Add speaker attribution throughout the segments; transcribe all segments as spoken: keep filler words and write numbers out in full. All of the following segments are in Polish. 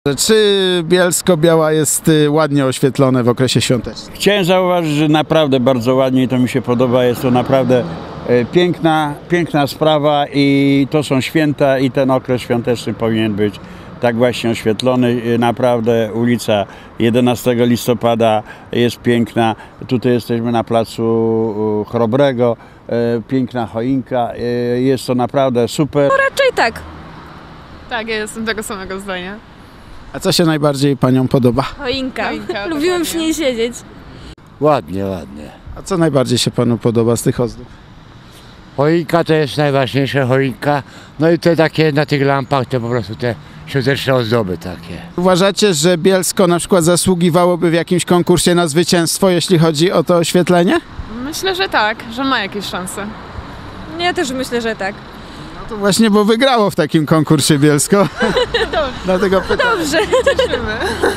Speaker 1: Czy Bielsko-Biała jest ładnie oświetlone w okresie świątecznym?
Speaker 2: Chciałem zauważyć, że naprawdę bardzo ładnie i to mi się podoba. Jest to naprawdę piękna, piękna sprawa i to są święta i ten okres świąteczny powinien być tak właśnie oświetlony. Naprawdę ulica jedenastego listopada jest piękna. Tutaj jesteśmy na placu Chrobrego. Piękna choinka. Jest to naprawdę super.
Speaker 3: No raczej tak.
Speaker 4: Tak, ja jestem tego samego zdania.
Speaker 1: A co się najbardziej paniom podoba?
Speaker 3: Choinka.
Speaker 4: Choinka,
Speaker 3: Lubiłem przy niej siedzieć.
Speaker 5: Ładnie, ładnie.
Speaker 1: A co najbardziej się panu podoba z tych ozdób?
Speaker 5: Choinka to jest najważniejsza choinka. No i te takie na tych lampach to po prostu te świąteczne ozdoby takie.
Speaker 1: Uważacie, że Bielsko na przykład zasługiwałoby w jakimś konkursie na zwycięstwo, jeśli chodzi o to oświetlenie?
Speaker 4: Myślę, że tak, że ma jakieś szanse.
Speaker 3: Ja też myślę, że tak.
Speaker 1: No to właśnie, bo wygrało w takim konkursie Bielsko. Dlatego pytam.
Speaker 3: Dobrze.
Speaker 4: Cieszymy.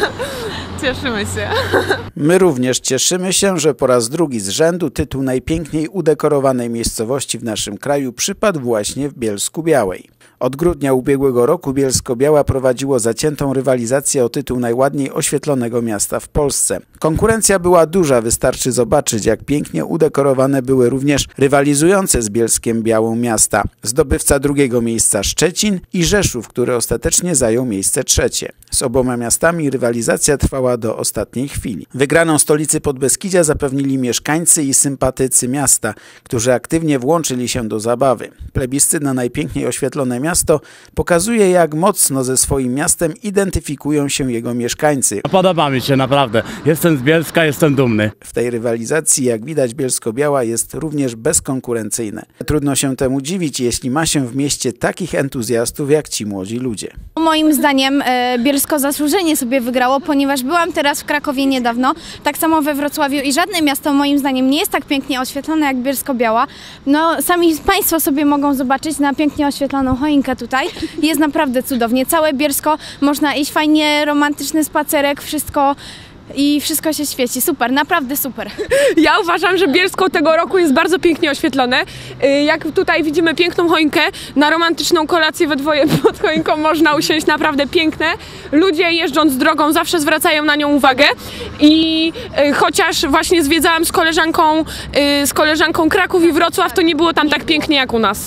Speaker 4: Cieszymy się.
Speaker 1: My również cieszymy się, że po raz drugi z rzędu tytuł najpiękniej udekorowanej miejscowości w naszym kraju przypadł właśnie w Bielsku-Białej. Od grudnia ubiegłego roku Bielsko-Biała prowadziło zaciętą rywalizację o tytuł najładniej oświetlonego miasta w Polsce. Konkurencja była duża, wystarczy zobaczyć, jak pięknie udekorowane były również rywalizujące z Bielskiem-Białą miasta. Zdobywca drugiego miejsca Szczecin i Rzeszów, który ostatecznie zajął miejsce trzecie. Z oboma miastami rywalizacja trwała do ostatniej chwili. Wygraną stolicy Podbeskidzia zapewnili mieszkańcy i sympatycy miasta, którzy aktywnie włączyli się do zabawy. Plebiscyt na najpiękniej oświetlone miasto pokazuje, jak mocno ze swoim miastem identyfikują się jego mieszkańcy.
Speaker 6: Podoba mi się naprawdę. Jestem z Bielska, jestem dumny.
Speaker 1: W tej rywalizacji, jak widać, Bielsko-Biała jest również bezkonkurencyjne. Trudno się temu dziwić, jeśli ma się w mieście takich entuzjastów jak ci młodzi ludzie.
Speaker 7: Moim zdaniem e, Bielsko zasłużenie sobie wygrało, ponieważ byłam teraz w Krakowie niedawno, tak samo we Wrocławiu i żadne miasto moim zdaniem nie jest tak pięknie oświetlone jak Bielsko-Biała. No sami Państwo sobie mogą zobaczyć na pięknie oświetloną choinkę tutaj. Jest naprawdę cudownie. Całe Bielsko, można iść fajnie, romantyczny spacerek, wszystko i wszystko się świeci. Super, naprawdę super.
Speaker 8: Ja uważam, że Bielsko tego roku jest bardzo pięknie oświetlone. Jak tutaj widzimy piękną choinkę, na romantyczną kolację we dwoje pod choinką można usiąść, naprawdę piękne. Ludzie jeżdżąc drogą zawsze zwracają na nią uwagę i chociaż właśnie zwiedzałam z koleżanką, z koleżanką Kraków i Wrocław, to nie było tam tak pięknie jak u nas.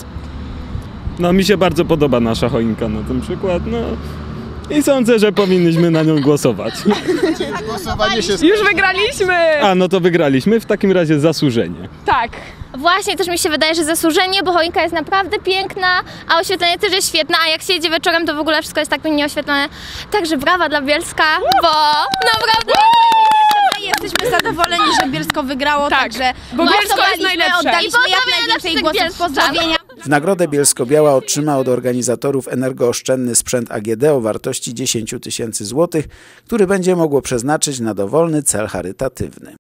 Speaker 9: No mi się bardzo podoba nasza choinka na ten przykład, no i sądzę, że powinniśmy na nią głosować.
Speaker 1: Głosowanie się
Speaker 8: Już wygraliśmy!
Speaker 9: A, no to wygraliśmy, w takim razie zasłużenie.
Speaker 8: Tak.
Speaker 10: Właśnie, też mi się wydaje, że zasłużenie, bo choinka jest naprawdę piękna, a oświetlenie też jest świetne, a jak się jedzie wieczorem, to w ogóle wszystko jest tak pięknie oświetlone. Także brawa dla Bielska, bo naprawdę...
Speaker 7: Jesteśmy zadowoleni, że Bielsko wygrało,
Speaker 8: Tak,
Speaker 7: także
Speaker 8: bo Bielsko jest najlepsze.
Speaker 7: oddaliśmy
Speaker 10: I
Speaker 7: jak
Speaker 10: pozdrawiamy
Speaker 7: najwięcej
Speaker 10: naszych
Speaker 7: głosów
Speaker 10: bielsczan.
Speaker 7: pozdrowienia.
Speaker 1: W nagrodę Bielsko-Biała otrzyma od organizatorów energooszczędny sprzęt A G D o wartości dziesięć tysięcy złotych, który będzie mogło przeznaczyć na dowolny cel charytatywny.